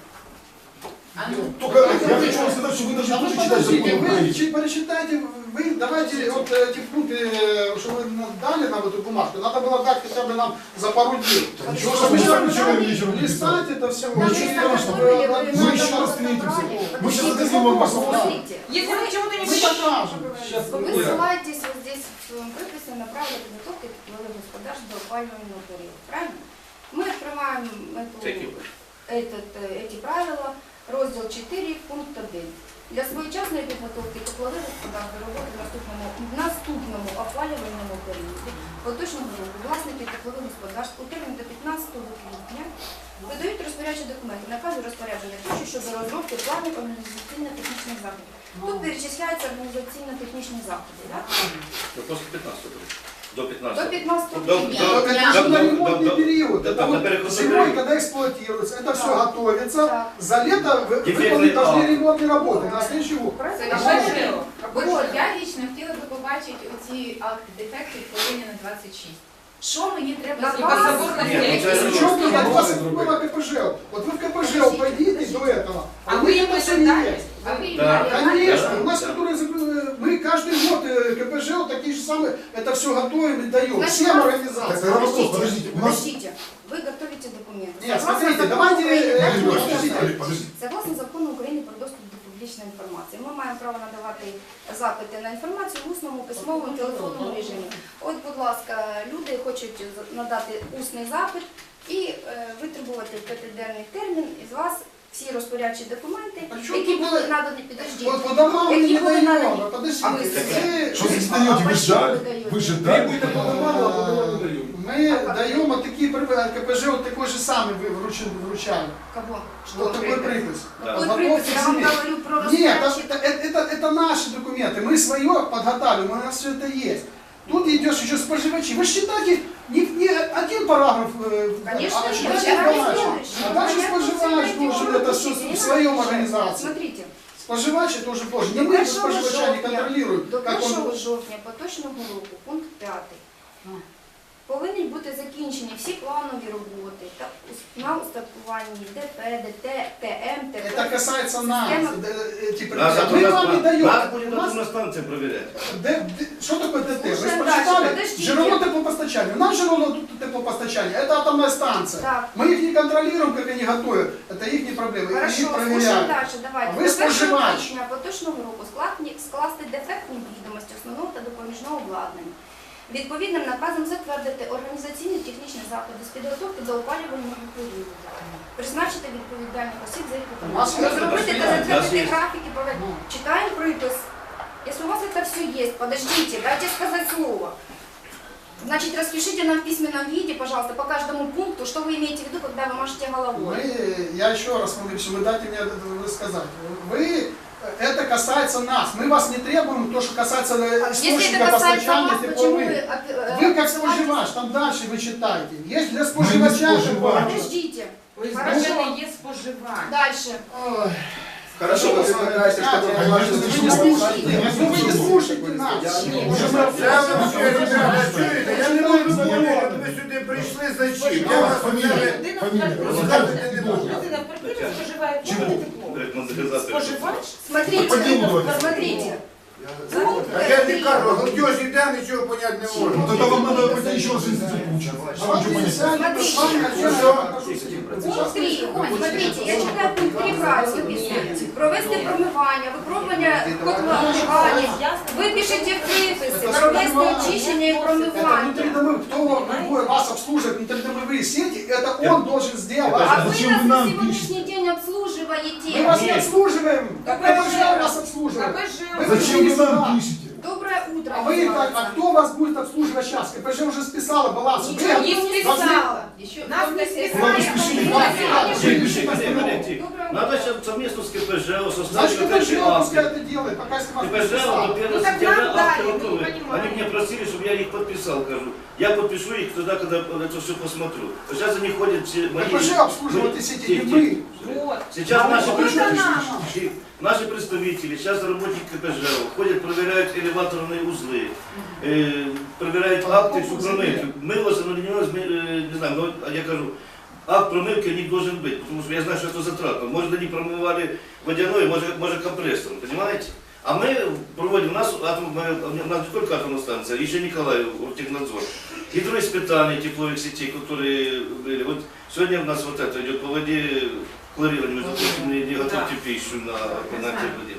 Speaker 2: А ну,
Speaker 4: Только я хочу вам сказать, что вы должны
Speaker 7: А вы
Speaker 4: тоже читать
Speaker 7: подождите,
Speaker 4: закон
Speaker 7: вы
Speaker 4: Украины.
Speaker 7: чи- пересчитайте, вы давайте вот эти пункты, э, что вы нам дали нам эту бумажку, надо было дать хотя бы нам за пару дней.
Speaker 4: Ничего, что мы сами вчера вечером написали.
Speaker 7: Листать это все.
Speaker 4: Ну, ничего страшного. Мы еще раз встретимся. Мы сейчас зададим вам вопрос.
Speaker 10: Смотрите,
Speaker 5: Если вы чего-то не
Speaker 7: Мы покажем.
Speaker 6: Сейчас,
Speaker 10: вы
Speaker 6: Ира.
Speaker 10: ссылаетесь вот здесь в своем приписи на правила подготовки тепловых господарств до опаливаемого периода, правильно? Мы открываем эту,
Speaker 3: Всякие.
Speaker 10: этот, э, эти правила, розділ чотири, пункт один. Для своєчасної підготовки теплових господарств до роботи в наступному, в наступному опалювальному періоді поточного року власники теплових господарств у термін до п'ятнадцятого квітня видають розпорядчі документи, накази розпорядження тощо щодо розробки планів організаційно-технічних заходів. Тут перечисляються організаційно-технічні заходи. Так?
Speaker 3: Ну, после пятнадцатого. До
Speaker 10: До
Speaker 3: пятнадцатого.
Speaker 10: пятнадцатого
Speaker 3: До-
Speaker 10: квітня.
Speaker 3: до-
Speaker 7: Это
Speaker 3: Да,
Speaker 7: же
Speaker 3: да,
Speaker 7: на
Speaker 3: да,
Speaker 7: ремонтный
Speaker 3: да,
Speaker 7: период.
Speaker 3: да,
Speaker 7: Это
Speaker 3: да,
Speaker 7: вот
Speaker 3: на переходный
Speaker 7: зимой,
Speaker 3: период.
Speaker 7: когда эксплуатируется, это все
Speaker 10: Да.
Speaker 7: готовится.
Speaker 10: Так.
Speaker 7: За лето вы-
Speaker 3: Дефектный
Speaker 7: выполнить должны
Speaker 3: акт.
Speaker 7: ремонтные работы на следующий год.
Speaker 2: Совершенно. От я лично хотіла би побачити оці акти дефектів повинні на двадцять шість. Що мені треба
Speaker 10: На
Speaker 2: зробити?
Speaker 5: заборгованность
Speaker 3: Нет, ну,
Speaker 5: электроэнергии.
Speaker 3: это-
Speaker 7: Причем тут от вас
Speaker 6: Другое.
Speaker 7: было КПЖ. Вот вы в КПЖ пойдите до этого.
Speaker 5: А вы им
Speaker 7: это все
Speaker 5: это дали?
Speaker 7: есть.
Speaker 2: А ви
Speaker 3: Да.
Speaker 2: дали
Speaker 7: Конечно,
Speaker 3: Да,
Speaker 7: у нас,
Speaker 3: да.
Speaker 7: которые закры- мы каждый год э, КПЖ вот такие же самые, это все готовим и даем.
Speaker 10: Значит,
Speaker 7: Всем
Speaker 10: у нас-
Speaker 7: организациям.
Speaker 4: Так, тогда вопрос, подождите, у нас...
Speaker 10: Подождите, вы готовите документы.
Speaker 7: Нет,
Speaker 10: Согласно
Speaker 7: смотрите,
Speaker 10: закону
Speaker 7: давайте,
Speaker 10: України,
Speaker 7: э,
Speaker 10: так,
Speaker 4: Олег,
Speaker 10: можна
Speaker 4: подождите,
Speaker 10: сказати.
Speaker 4: Олег, подождите.
Speaker 10: Согласно закону України про доступ до публічної інформації, ми маємо право надавати запити на інформацію в усному, письмовому, телефонному режимі. От, будь ласка, люди хочуть надати усний запит і е, витребувати в п'ятиденний термін із вас всі розпорядчі документи,
Speaker 7: А чому
Speaker 10: які
Speaker 7: тут
Speaker 10: були
Speaker 7: ви-
Speaker 10: надані, підождіть,
Speaker 7: Вот по домам мы
Speaker 10: які
Speaker 7: не
Speaker 10: були
Speaker 7: даем.
Speaker 10: надані.
Speaker 7: а Подождите,
Speaker 10: А вы-
Speaker 7: мы-
Speaker 4: Что здесь даете? Вы
Speaker 10: почему
Speaker 4: ждали?
Speaker 10: вы даете?
Speaker 4: Вы же дали?
Speaker 6: Требуйте по домам, а по домам не даем.
Speaker 7: Мы даем вот такие приписи, КПЖ вот такой же самый вы вручили, вручали.
Speaker 10: Кого?
Speaker 7: Вот такой припис.
Speaker 3: Да.
Speaker 10: Какой
Speaker 7: Готовьте
Speaker 10: припис? Я вам
Speaker 7: себе.
Speaker 10: говорю про
Speaker 7: Нет,
Speaker 10: розпорядчі.
Speaker 7: это, это, это, это наши документы. Мы свое подготавливаем, у нас все это есть. Тут идешь еще споживачи. Вы считайте, не, не один параграф, э,
Speaker 10: Конечно,
Speaker 7: а
Speaker 10: нет.
Speaker 7: считайте
Speaker 10: Я
Speaker 7: дальше.
Speaker 10: разделаюсь.
Speaker 7: А дальше
Speaker 10: Понятно,
Speaker 7: споживач
Speaker 10: все
Speaker 7: должен
Speaker 10: эти
Speaker 7: это все
Speaker 10: уроки
Speaker 7: в своем
Speaker 10: я
Speaker 7: организации.
Speaker 10: Смотрите,
Speaker 7: Споживач тоже должен. Не
Speaker 10: до
Speaker 7: мы
Speaker 10: першого
Speaker 7: споживача не
Speaker 10: жовтня,
Speaker 7: контролируем,
Speaker 10: до
Speaker 7: как он...
Speaker 10: першого жовтня поточного року, пункт п'ятий, повинні бути закінчені всі планові роботи та ус- на устаткуванні ДП, ДТ, ТМ, ТП.
Speaker 7: Это касается нас.
Speaker 10: Система-
Speaker 7: э, Эти
Speaker 3: Нас,
Speaker 7: препараты. Мы вам не даем.
Speaker 3: нас будет
Speaker 7: У нас-
Speaker 3: атомная станция проверять.
Speaker 7: Д- д- Что такое ДТ? Вы
Speaker 10: Слушаем
Speaker 7: прочитали?
Speaker 10: дальше, подождите.
Speaker 7: Жировое теплопостачание. У нас жировое теплопостачание. Это атомная станция.
Speaker 10: Так.
Speaker 7: Мы их не контролируем, как они готовят. Это их проблемы. Их
Speaker 10: Хорошо, слушаємо
Speaker 7: проверяют.
Speaker 10: далі. Давайте.
Speaker 7: А ви
Speaker 10: До першого
Speaker 7: споживач.
Speaker 10: січня поточного року складні- скласти дефектні відомості основного та допоміжного обладнання. Відповідним наказом затвердити організаційно-технічні заходи з підготовки до опалювального періоду. Призначити відповідальних осіб за їх
Speaker 7: У нас
Speaker 10: виконання.
Speaker 7: є
Speaker 10: Розробити та
Speaker 3: у нас
Speaker 10: затвердити
Speaker 3: є.
Speaker 10: графіки проведення. Читаем припис. Если у вас это все есть, подождите, дайте сказать слово. Значит, распишите нам в письменном виде, пожалуйста, по каждому пункту, что вы имеете в виду, когда вы машете головой.
Speaker 7: Мы, я еще раз вам говорю, вы дайте мне рассказать. Вы, это касается нас. Мы вас не требуем то, что касается
Speaker 10: Если это
Speaker 7: источника
Speaker 10: касается
Speaker 7: постачания
Speaker 10: вас, почему вы...
Speaker 7: тепловых.
Speaker 10: э,
Speaker 7: Вы как
Speaker 10: ссылаетесь-
Speaker 7: споживач, там дальше вы читаете. Есть для
Speaker 4: Мы не
Speaker 7: споживача.
Speaker 4: споживач.
Speaker 10: Подождите.
Speaker 5: ОСББ
Speaker 10: Хорошо.
Speaker 5: не є споживач.
Speaker 10: Дальше.
Speaker 7: Ой.
Speaker 9: Хорошо, вы предлагаете, что
Speaker 7: Конечно,
Speaker 9: ваши
Speaker 7: вы не
Speaker 9: документы-
Speaker 7: слушаете. Ну вы не слушаете нас.
Speaker 1: Я вам все, ребята, чуєте? Я не можу зрозуміти, от ви сюди прийшли зачем? Я вас
Speaker 4: Фамилия,
Speaker 1: взяли.
Speaker 4: фамилия.
Speaker 1: Розказувати не можу.
Speaker 5: Людина в квартирі споживає
Speaker 4: Чому?
Speaker 5: тепло.
Speaker 3: Говорит, модернизация.
Speaker 5: Споживач?
Speaker 10: Смотрите,
Speaker 4: По делу давайте.
Speaker 10: посмотрите. Пункт
Speaker 1: Так я не кажу, голдеж іде, нічого поняти не
Speaker 4: Ну
Speaker 1: можна.
Speaker 4: тогда вам надо пойти еще раз в институт получать. Чтобы ничего
Speaker 7: Давайте
Speaker 4: понять.
Speaker 7: сядем, с вами отдельно
Speaker 1: Что?
Speaker 7: покажу схему.
Speaker 10: Пункт три. Смотрите, я читаю пункт три правильно написано. Провести промивання, випробування котловані. Ви пишете приписи, провести очищення і
Speaker 7: Это
Speaker 10: промивання.
Speaker 7: внутридомовые, кто будет вас обслуживать внутридомовые сети, это он должен
Speaker 10: А
Speaker 7: сделать.
Speaker 10: вы
Speaker 4: Зачем вы
Speaker 10: нас на
Speaker 4: нам
Speaker 10: сегодняшний день
Speaker 7: Мы
Speaker 10: обслуживаете.
Speaker 7: вас не обслуживаем,
Speaker 5: Так
Speaker 7: КПЖ
Speaker 5: это
Speaker 7: вас обслуживает.
Speaker 5: КПЖ.
Speaker 7: Вы
Speaker 4: Зачем
Speaker 7: пришли
Speaker 4: вы нам
Speaker 7: сюда.
Speaker 4: пишете?
Speaker 10: Доброе утро.
Speaker 7: А вы как, а кто вас будет обслуживать сейчас? КПЖ уже списала баланс. Вы
Speaker 5: Ничего не
Speaker 7: должны-
Speaker 5: списала.
Speaker 2: Еще
Speaker 5: Нас не
Speaker 4: Куда
Speaker 5: списали.
Speaker 4: вы спешили?
Speaker 3: Подождите, подождите, подождите. Надо сейчас совместно с КПЖ составить
Speaker 7: Значит,
Speaker 3: вот
Speaker 7: КПЖ
Speaker 3: эти
Speaker 7: пускай
Speaker 3: акты.
Speaker 7: это делает, пока если вас не
Speaker 3: КПЖ до
Speaker 7: списала.
Speaker 3: первого
Speaker 5: Ну, так
Speaker 3: сентября
Speaker 5: нам дали,
Speaker 3: акты
Speaker 5: мы не
Speaker 3: готовы.
Speaker 5: понимаем.
Speaker 3: Они меня просили, чтобы я их подписал, кажу. Я подпишу их тогда, когда это все посмотрю. Вот сейчас они ходят все мои...
Speaker 7: КПЖ обслуживают эти сети,
Speaker 3: Тихо,
Speaker 7: не мы.
Speaker 3: тихо.
Speaker 5: Вот.
Speaker 3: Сейчас
Speaker 7: А
Speaker 3: наши
Speaker 7: вы
Speaker 3: представители,
Speaker 7: это
Speaker 3: наши представители, сейчас работники КПЖ ходят, проверяют элеваторные узлы, э, проверяют акты, всю промывку. Мылось, оно не мылось, мы, э, не знаю, но я кажу, акт промывки не должен быть, потому что я знаю, что это затратно. Может, они промывали водяной, может, может компрессором, понимаете? А мы проводим, у нас, атом, мы, у нас не только атомная станция, еще Николаев, технадзор. Гидроиспытания тепловых сетей, которые были. Вот сегодня у нас вот это идет по воде хлорирование, между прочим, не, не готовьте пищу на, на теплоте.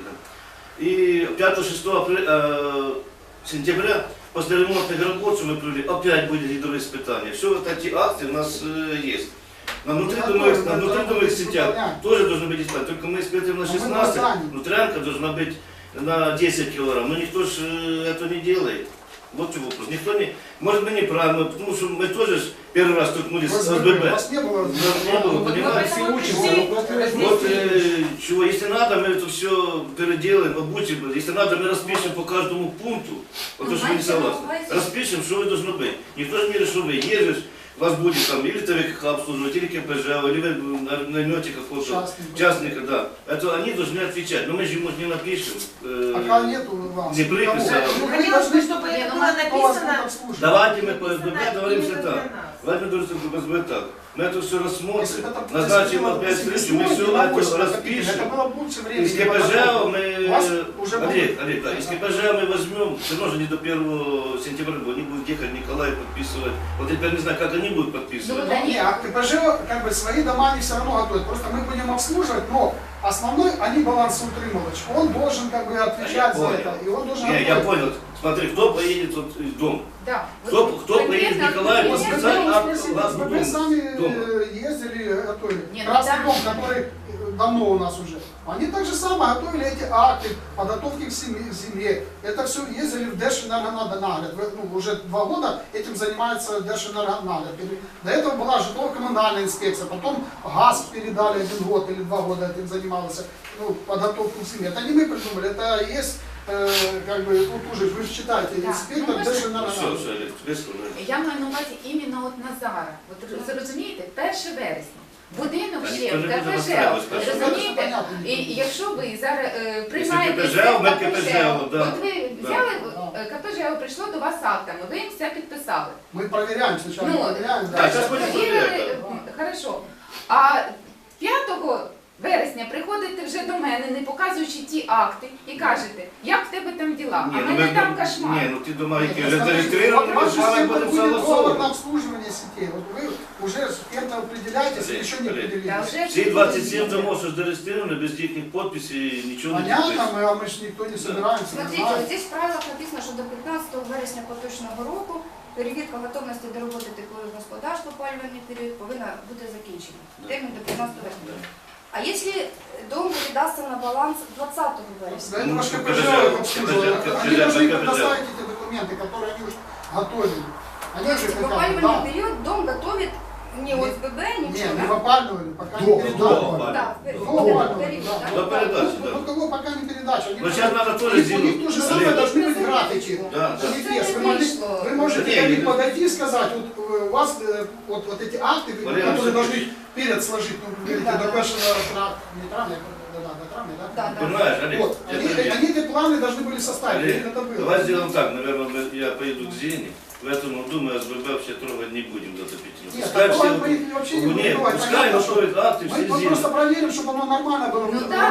Speaker 3: И пятого-шестого э, сентября после ремонтных работ, что мы провели, опять будет гидроиспытание. Все вот эти акты у нас э, есть. На внутридомовых, на внутридомовых сетях тоже должны быть испытания. Только мы испытываем на шестнадцать, внутрянка должна быть на десять килограмм. Но никто же э, этого не делает. Вот что вопрос. Никто не... Может, мы неправильно, потому что мы тоже ж первый раз столкнулись с
Speaker 7: У
Speaker 3: СББ.
Speaker 7: вас не было.
Speaker 3: Не было, понимаете?
Speaker 5: Все учимся.
Speaker 3: Вот э, чего, если надо, мы это все переделаем, обучим. Если надо, мы распишем по каждому пункту. Вот то, что вы не согласны. Распишем, что вы должны быть. Никто же не решит, что вы едешь, вас будет там или ТВК обслуживать, или КПЖ, или вы наймете какого-то
Speaker 7: Частника.
Speaker 3: частника, да. Это они должны отвечать. Но мы же ему не напишем. э,
Speaker 7: Пока нету вас.
Speaker 3: Не приписи, а-
Speaker 7: Ну, вы
Speaker 5: Хотелось бы,
Speaker 7: должны-
Speaker 5: чтобы
Speaker 2: Не,
Speaker 5: это
Speaker 2: ну,
Speaker 5: было
Speaker 7: кто вас будет
Speaker 5: написано.
Speaker 7: обслуживать?
Speaker 3: Давайте мы по СББ
Speaker 5: Написано
Speaker 3: договоримся
Speaker 5: именно
Speaker 3: так.
Speaker 5: для нас.
Speaker 3: Давайте мы договоримся по СББ так. Мы это все
Speaker 7: Если
Speaker 3: рассмотрим,
Speaker 7: бы это
Speaker 3: назначим
Speaker 7: было
Speaker 3: опять
Speaker 7: бы
Speaker 3: встречу, мы
Speaker 7: весной,
Speaker 3: все
Speaker 7: не
Speaker 3: это
Speaker 7: осенью,
Speaker 3: распишем.
Speaker 7: Это было бы лучше времени.
Speaker 3: Из КПЖ мы,
Speaker 7: У вас уже
Speaker 3: Олег,
Speaker 7: было-
Speaker 3: Олег, да, из КПЖ мы возьмем, все равно же не до первого сентября, они будут ехать Николай подписывать. Вот я теперь не знаю, как они будут подписывать.
Speaker 2: Ну,
Speaker 7: Не, а КПЖ как бы свои дома они все равно готовят. Просто мы будем обслуживать, но основной они балансоутримывач. Он должен как бы отвечать за
Speaker 3: понял.
Speaker 7: это. И он должен
Speaker 3: Не, я
Speaker 7: готовить.
Speaker 3: понял. Смотри, кто поедет вот из дома?
Speaker 2: Да.
Speaker 3: Кто,
Speaker 2: Вот
Speaker 3: кто поедет
Speaker 2: конкретно
Speaker 3: Николай
Speaker 7: Вот
Speaker 2: конкретно-
Speaker 3: подписать
Speaker 7: вы
Speaker 3: акт
Speaker 7: спросите,
Speaker 3: вас
Speaker 7: вы
Speaker 3: дома?
Speaker 7: сами
Speaker 3: Дома.
Speaker 7: э, ездили, готовили.
Speaker 2: Не, ну
Speaker 7: Красный
Speaker 2: да.
Speaker 7: дом, который э, давно у нас уже. Они так же самое готовили эти акты, подготовки к семье. земле. Это все ездили в Держэнергонагляд. Вы, ну, уже два года этим занимается Держэнергонагляд. До этого была жилищно-коммунальная инспекция, потом ГАЗ передали один год или два года этим занимался, ну, подготовку к семье. Это не мы придумали, это есть, э, как бы, тут уже, вы же читаете,
Speaker 2: Да.
Speaker 7: инспектор
Speaker 2: Ну, можно-
Speaker 3: Все,
Speaker 7: Держэнергонагляд.
Speaker 3: все, Олег, тебе сказали.
Speaker 2: Я маю на увазі іменно от на зараз. От зрозумієте, перше вересня. Будинок
Speaker 3: Та
Speaker 2: ще
Speaker 3: ніхто
Speaker 2: в
Speaker 3: не буде
Speaker 2: КПЖ.
Speaker 3: розстрілювати перше
Speaker 2: Розумієте?
Speaker 7: вересня.
Speaker 2: І якщо ви зараз е, приймаєте
Speaker 3: КПЖ,
Speaker 2: це
Speaker 3: ми
Speaker 2: КПЖ,
Speaker 3: КПЖ, да.
Speaker 2: от ви
Speaker 3: Да.
Speaker 2: взяли, е, КПЖ прийшло до вас актами, ви їм все підписали.
Speaker 7: Мы проверяем сначала,
Speaker 2: Ну,
Speaker 7: проверяем,
Speaker 3: да,
Speaker 7: да.
Speaker 3: сейчас будем
Speaker 2: Перевірили,
Speaker 3: проверять,
Speaker 2: е, хорошо. А п'ятого вересня приходите вже до мене, не показуючи ті акти, і кажете, як в тебе там діла? А в
Speaker 3: ну
Speaker 2: мене
Speaker 3: ми-
Speaker 2: там кошмар.
Speaker 3: Ні, ну ти дома, які
Speaker 7: Нет,
Speaker 3: вже
Speaker 7: смотрите,
Speaker 3: зареєстровані,
Speaker 7: вот
Speaker 3: ми
Speaker 7: ваш
Speaker 3: з вами
Speaker 7: система
Speaker 3: будемо
Speaker 7: будет договор на
Speaker 3: согласовувати.
Speaker 7: обслуживание сетей. Вот вы уже кем-то определяетесь, или еще не
Speaker 3: Олег,
Speaker 2: Та
Speaker 7: определились.
Speaker 2: вже
Speaker 3: Всі двадцять сім домов, що зареєстровані, без їхніх підписів, нічого не
Speaker 7: Понятно,
Speaker 3: підписано.
Speaker 7: мы, а мы же никто не собираемся. не
Speaker 10: Смотрите,
Speaker 7: знаем.
Speaker 10: вот здесь в правилах написано, що до п'ятнадцятого вересня поточного року перевірка готовності до роботи теплових господарств в опалювальний період повинна бути закінчена. Термін до п'ятнадцятого вересня. А якщо дом передасться на баланс двадцатого вересня?
Speaker 7: Да это ваш
Speaker 3: Ну,
Speaker 7: КПЖ
Speaker 3: КПЖ,
Speaker 7: обслуживает.
Speaker 3: КПЖ,
Speaker 7: Они должны
Speaker 3: КПЖ.
Speaker 7: предоставить эти документы, которые они уже готовили. Они
Speaker 10: То
Speaker 7: же
Speaker 10: есть в
Speaker 7: хотят,
Speaker 10: опалювальный
Speaker 7: да.
Speaker 10: период дом готовит не ОСББ,
Speaker 7: Не,
Speaker 10: ничего,
Speaker 7: не
Speaker 10: да?
Speaker 7: опальнивали, пока
Speaker 4: До,
Speaker 7: не
Speaker 4: до
Speaker 7: передали.
Speaker 3: опального.
Speaker 10: Да, в
Speaker 7: До
Speaker 10: вот этот
Speaker 7: опального,
Speaker 10: период,
Speaker 7: да.
Speaker 10: да?
Speaker 3: До передачи,
Speaker 7: Ну,
Speaker 3: да.
Speaker 7: ну, кого пока не передача. Они
Speaker 3: Ну, сейчас надо тоже
Speaker 7: у них
Speaker 3: сделать.
Speaker 7: то же самое
Speaker 3: Олег.
Speaker 7: должны быть графики.
Speaker 3: Да, да.
Speaker 7: Они
Speaker 2: Це
Speaker 7: есть.
Speaker 2: не
Speaker 7: Вы, могли-
Speaker 2: вийшло.
Speaker 7: вы можете
Speaker 3: Не,
Speaker 7: ко мне
Speaker 3: не-
Speaker 7: подойти и сказать, вот э, у вас э, вот, вот эти акты, вы-
Speaker 3: Валерий
Speaker 7: которые
Speaker 3: Васильевич.
Speaker 7: должны перед сложить, ну, вы говорите,
Speaker 10: Да,
Speaker 7: до
Speaker 10: да.
Speaker 7: первого травня, не травня, да, да, до травня, да?
Speaker 10: Да, да.
Speaker 3: Понимаешь, Олег?
Speaker 7: Вот,
Speaker 3: я
Speaker 7: они,
Speaker 3: тебе-
Speaker 7: они эти планы должны были составить,
Speaker 3: Олег,
Speaker 7: у них это было.
Speaker 3: давай сделаем так, наверное, мы- я поеду к Зене, в этом году мы СББ вообще трогать не будем до отопительного.
Speaker 7: Нет,
Speaker 3: Пускай
Speaker 7: такого
Speaker 3: все-
Speaker 7: мы их вообще не будем
Speaker 3: Нет,
Speaker 7: трогать,
Speaker 3: пускай
Speaker 7: понятно, что-
Speaker 3: готовят акты,
Speaker 7: Мы,
Speaker 3: все
Speaker 7: мы
Speaker 3: Зене.
Speaker 7: просто проверим, чтобы оно нормально было.
Speaker 2: Ну
Speaker 7: в
Speaker 2: да,
Speaker 7: рабочем
Speaker 2: правильно.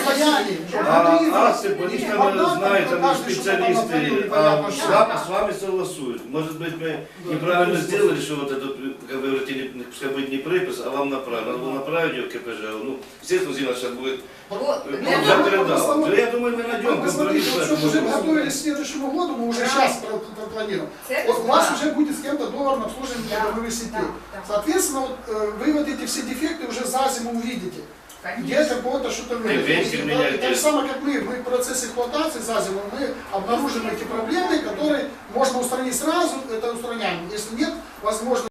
Speaker 7: баяне.
Speaker 3: А акты, они там знают, там специалисты, а с вами, с вами согласуют. Может быть, мы неправильно сделали, что вот этот, как вы говорите, не, пускай будет не припис, а вам направить. Надо было направить ее в КПЖ. Ну, естественно, Зина сейчас будет...
Speaker 5: Вот,
Speaker 3: Ну,
Speaker 5: для
Speaker 3: я
Speaker 5: того-
Speaker 3: передал. Да, я думаю, мы найдем
Speaker 7: Вы посмотрите,
Speaker 3: компромисс.
Speaker 7: вот что мы уже готовились к следующему году, мы уже сейчас пропланируем.
Speaker 5: Это
Speaker 7: Вот у вас
Speaker 5: да.
Speaker 7: уже будет с кем-то договор на обслуживание
Speaker 2: Да,
Speaker 7: трудовых сетей.
Speaker 2: да, да.
Speaker 7: Соответственно, вот, э, вы вот эти все дефекты уже за зиму увидите. Где
Speaker 5: Конечно.
Speaker 7: какого-то что-то
Speaker 3: Вентиль менять.
Speaker 7: Так же самое, как мы, мы в процессе эксплуатации за зиму, мы обнаружим эти проблемы, которые можно устранить сразу, это устраняем. Если нет, возможно,